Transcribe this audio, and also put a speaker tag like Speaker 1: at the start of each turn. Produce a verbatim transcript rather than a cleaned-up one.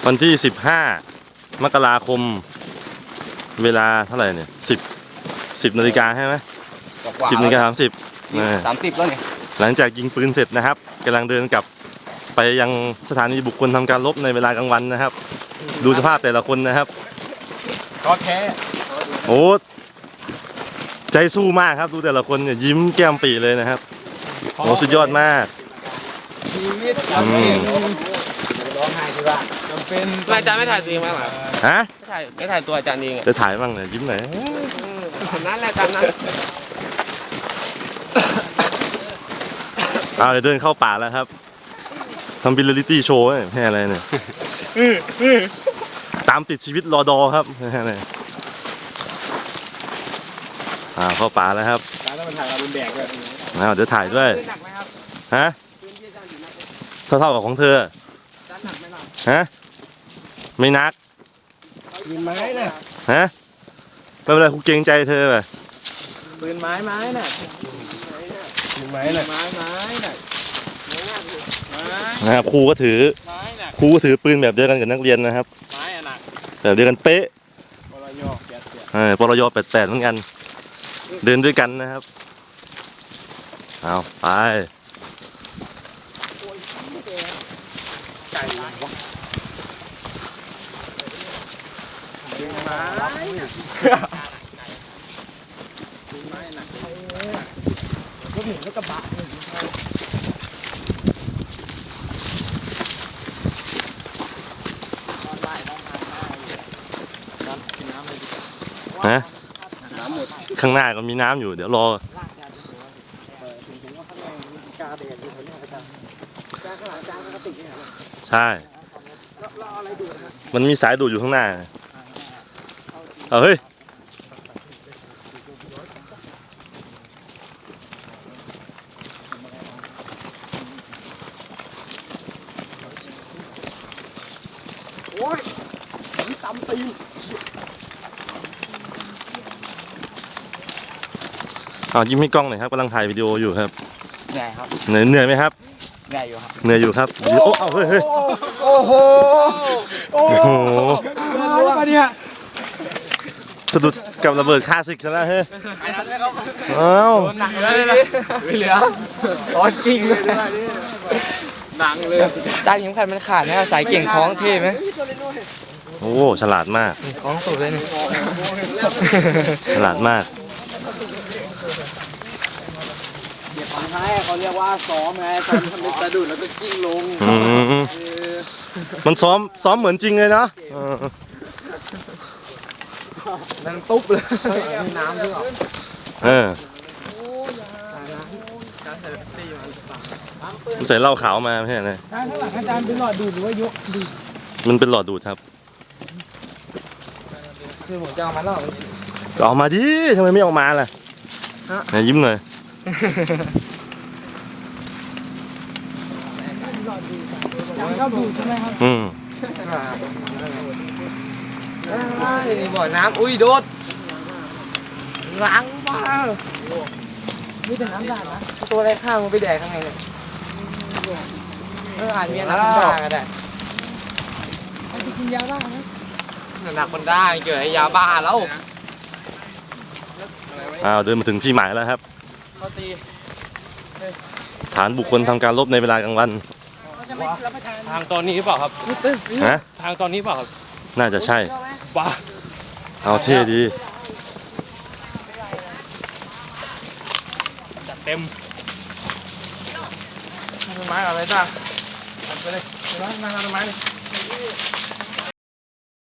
Speaker 1: วันที่สิบห้ามกราคมเวลาเท่าไหร่เนี่ยสิบสิบนาฬิกาใช่ไหมสิบนาฬิกาสามสิบ
Speaker 2: สามสิบแล้วเนี่ย
Speaker 1: หลังจากยิงปืนเสร็จนะครับกำลังเดินกลับไปยังสถานีบุคคลทำการรบในเวลากลางวันนะครับดูสภาพแต่ละคนนะครับ
Speaker 2: ก็แค่
Speaker 1: โอ้ใจสู้มากครับดูแต่ละคนเนี่ยยิ้มแก้มปีเลยนะครับโอ้สุดยอดมาก
Speaker 2: ชีวิตจำเป็นร้องไห้ที่ว่าจำเป็นอาจารย์ไม่ถ่ายตัวเองบ้างเหรอ
Speaker 1: ฮะ
Speaker 2: ไม่ถ่ายไม่ถ่ายตัวอาจารย์เอง
Speaker 1: จะถ่ายบ้างเนี่ยยิ้มหน่อย
Speaker 2: นั่นแหละตามนั้น
Speaker 1: เอาเดี๋ยวเดินเข้าป่าแล้วครับทำบิลลิตี้โชว์แค่อะไรเนี่ยตามติดชีวิตรอดอครับแค่ไหนอ่าเข้าป่าแล้วครับ
Speaker 2: แล้วมันถ่ายเราเป็นแบกเลย
Speaker 1: เอาเดี๋ยวถ่ายด้วยฮะเท่าเท่ากับของเธอฮะไม่นัก
Speaker 2: ปืนไม้น่ะ
Speaker 1: ฮะไม่เป็นไรกูเกรงใจเธอไป
Speaker 2: ปืนไม้ไม้น่ะปืนไม้น่ะไม้ไม้น่ะ
Speaker 1: นะครับครูก็ถือครูก็ถือปืนแบบเดียวกันกับนักเรียนนะครับ
Speaker 2: ไม้อะหนัก
Speaker 1: แบบเดียวกันเป๊ะ
Speaker 2: ปรยแปดแปด
Speaker 1: เออปรยแปดแปดเหมือนกันเดินด้วยกันนะครับเอาไป
Speaker 2: ก็เห็นแล้วกระบะ
Speaker 1: ฮะข้างหน้าก็มีน้ำอยู่เดี๋ยวรอใช่มันมีสายดูดอยู่ข้างหน้าเอาเฮ้ย
Speaker 2: โอ้ยตำตีน
Speaker 1: เอายิ้มให้กล้องหน่อยครับกำลังถ่ายวิดีโออยู่ครับ
Speaker 2: เหนื่อยครับ
Speaker 1: เหนื่อยเหนื่อยไหมครับ
Speaker 2: เหนื่อยอยู่ครับ
Speaker 1: เหนื่อยอยู่ครับโอ้เอาเฮ้ยเฮ้ย
Speaker 2: โอ้โหโอ้โหอะไรเนี่ย
Speaker 1: สะดุดกับระเบิดคาสิกซะแล้วเฮ้ยอ้าว
Speaker 2: หนักเลยไม่เหลือตอนจริงเลยหนังเลยจ้างยิ้มขันมันขาดนะสายเก่งคล้องเท่ไหม
Speaker 1: โอ้ฉลาดมาก
Speaker 2: คล้องสุดเลยนี่
Speaker 1: ฉลาดมาก
Speaker 2: เดี๋ยวของท้ายเขาเรียกว่าซ้อมไงซ้อมทำเป็นสะดุดแล้วก็กิ้งลง
Speaker 1: มันซ้อมซ้อมเหมือนจริงเลยนะ
Speaker 2: นั่งตุ๊บเลยน้ำด้วย
Speaker 1: เออใส่เหล้าขาวมาไม่ใช่ไหม
Speaker 2: ข้างหลังอาจารย์เป็นหลอดดูดหรือว่ายกดูด
Speaker 1: มันเป็นหลอดดูดครับ
Speaker 2: คือผมจะเอามาหลอด
Speaker 1: ออกมาดิทำไมไม่ออกมาล่ะไหนยิ้มหน่อย
Speaker 2: ชอบดูใช่ไหมครับ
Speaker 1: อืม
Speaker 2: นี่บ่อน้ำอุ้ยโดดล้างมามีแต่น้ำด่างนะตัวอะไรข้าวมันไปแดกข้างในเลยเอออ่านมีน้ำด่างก็ได้จะกินยาบ้านะหนักคนได้เกิดให้ยาบ้าแล้ว
Speaker 1: อ้าวเดินมาถึงที่หมายแล้วครับฐานบุคคลทำการรบในเวลากลางวัน
Speaker 2: ทางตอนนี้เปล่าครับ
Speaker 1: ฮะ
Speaker 2: ทางตอนนี้เปล่าครับ
Speaker 1: น่าจะใช่
Speaker 2: ว้า
Speaker 1: เอาเท่ดี
Speaker 2: จัดเต็มต้นไม้อะไรจ้าไปเลยต้นไม้ต้นไม้เลย